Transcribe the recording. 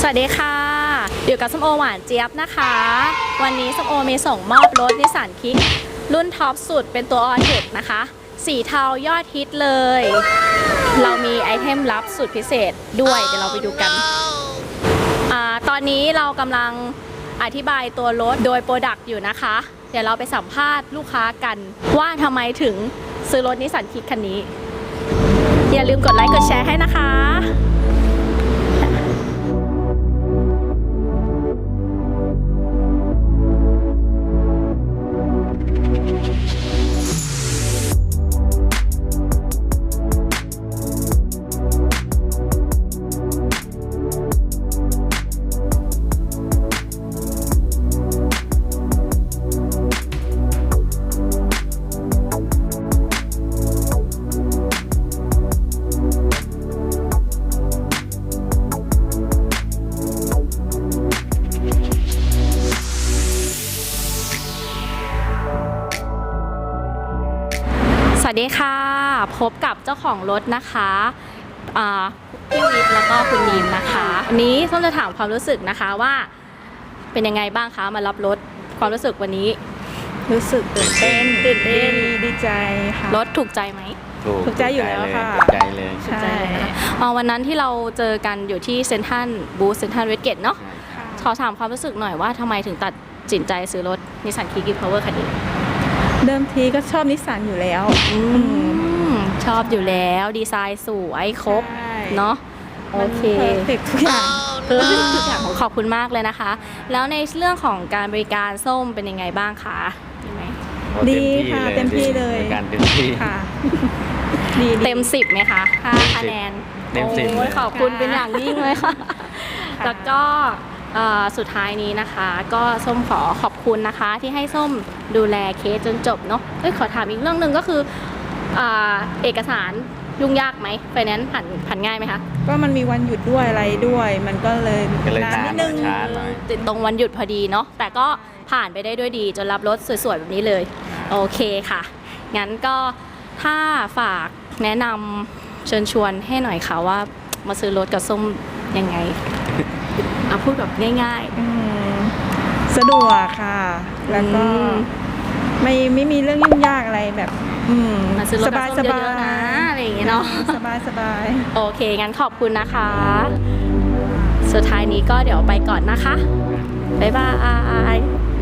วัสดีค่ะอยู่กับส้มโอหวานเจี๊ยบนะคะวันนี้ส้มโอมีส่งมอบรถนิสสันคิกรุ่นท็อปสุดเป็นตัวออเทคนะคะสีเทายอดฮิตเลยเรามีไอเทมลับสุดพิเศษด้วยเดี๋ยวเราไปดูกันตอนนี้เรากำลังอธิบายตัวรถโดยโปรดักต์อยู่นะคะเดี๋ยวเราไปสัมภาษณ์ลูกค้ากันว่าทำไมถึงซื้อรถนิสสันคิกคันนี้อย่าลืมกดไลค์กดแชร์ให้นะคะสวัสดีค่ะพบกับเจ้าของรถนะคะพี่วิทย์แล้วก็คุณนีมนะคะวันนี้ส้มจะถามความรู้สึกนะคะว่าเป็นยังไงบ้างคะมารับรถความรู้สึกวันนี้รู้สึกตื่นเต้นดีใจค่ะรถถูกใจไหมถูกใจอยู่แล้วค่ะถูกใจเลยใช่วันนั้นที่เราเจอกันอยู่ที่เซ็นทรัลบูธเซ็นทรัลเวสเกตเนาะขอถามความรู้สึกหน่อยว่าทำไมถึงตัดสินใจซื้อรถนิสสันคิก e-power คันนี้เดิมทีก็ชอบนิสสันอยู่แล้วชอบอยู่แล้วดีไซน์สวยครบเนาะโอเคทุกอย่างทุกอย่างขอบคุณมากเลยนะคะแล้วในเรื่องของการบริการส้มเป็นยังไงบ้างคะดีไหมดีค่ะเต็มที่เลยการเต็มที่ค่ะเต็ม10ไหมคะ5คะแนนเต็ม10 ขอบคุณเป็นอย่างยิ่งเลยค่ะแล้วก็สุดท้ายนี้นะคะก็ส้มขอขอบคุณนะคะที่ให้ส้มดูแลเคสจนจบเนาะขอถามอีกเรื่องหนึ่งก็คือเอกสารยุ่งยากไหมไฟแนนซ์ผ่านง่ายไหมคะก็มันมีวันหยุดด้วยอะไรด้วยมันก็เลยนานนิดนึงติดตรงวันหยุดพอดีเนาะแต่ก็ผ่านไปได้ด้วยดีจนรับรถสวยๆแบบนี้เลยโอเคค่ะงั้นก็ถ้าฝากแนะนำเชิญชวนให้หน่อยค่ะว่ามาซื้อรถกับส้มยังไงพูดแบบง่ายๆสะดวกค่ะแล้วก็ไม่มีเรื่องยุ่งยากอะไรแบบมาซื้อรถกับส้มเยอะๆนะอะไรอย่างเงี้ยเนาะสบายโอเคงั้นขอบคุณนะคะสุดท้ายนี้ก็เดี๋ยวไปก่อนนะคะบ๊ายบาย